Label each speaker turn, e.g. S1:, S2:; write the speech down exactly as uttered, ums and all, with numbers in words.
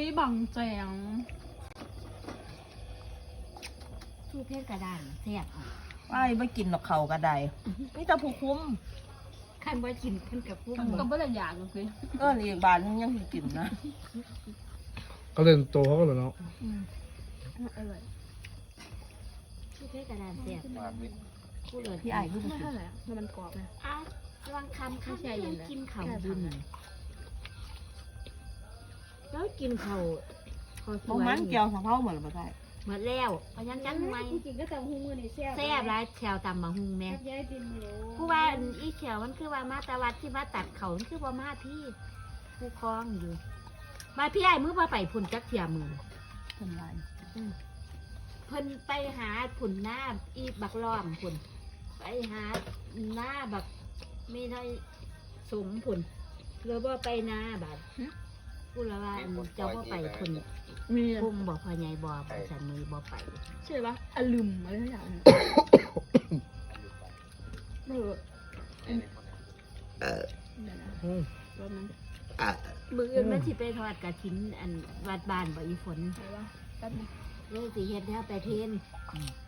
S1: ยบังแจง
S2: สู้เพชรกระดานแซ่บ
S3: ไอ้ไม่กินหรอกเขากระไดนี่จะผู้คุ้ม
S2: ขันว่ากินขันกับพุ่ม
S1: ก็ไม่ได้อยากเลย
S3: ก็เรียกบานยังยังกินนะ
S4: ก็เล่นโตเขาก็เลยเนาะ
S1: อร่อย
S2: สู้เพชรกระดานแซ่บพูดเลย
S3: พี่ไอ้พูดไม่
S1: เท่าไหร่แล้วมันกรอบนะ
S2: อ่ะวางคำข้าวกินข้าวบุญแล้วกินข้าวข้าวสวย
S3: มันเกี่ยวสะเพาเหมือนมาได้
S2: หมดแล้วพยังจังไง
S1: จริงก็ตำหูมือนี่แซ่บ
S2: แซ่บร้ายแถวตำบะฮุงแม่ผู้ว่าอีเขียวมันคือว่ามาตะวัดที่มาตัดเขามันคือว่ามาพี่ผู้คล้องอยู่มาพี่ไอ้มือมาไปผุนจักเทียมือ
S3: ทำไร
S2: เพิ่นไปหาผุนหน้าอีบักล้อมผุนไปหาหน้าบักไม่ได้สมผุนหรือว่าไปหน้าบัดพูดแล้วว่าเจ้าว่าไปผุน
S1: มี
S2: พุ่มบอกพอใหญ่บอฉันมือบ่ไป
S1: ใช่ปะอลุมอะไรทุกอย่างเออเออรถนั้น
S2: มืออื่นมันสิไปทอดกระถินอันวัดบ้านบ่อีฝน
S1: ใช่ปะแป๊บนึง
S2: เลยสิเฮ็ดแล้วไปเทน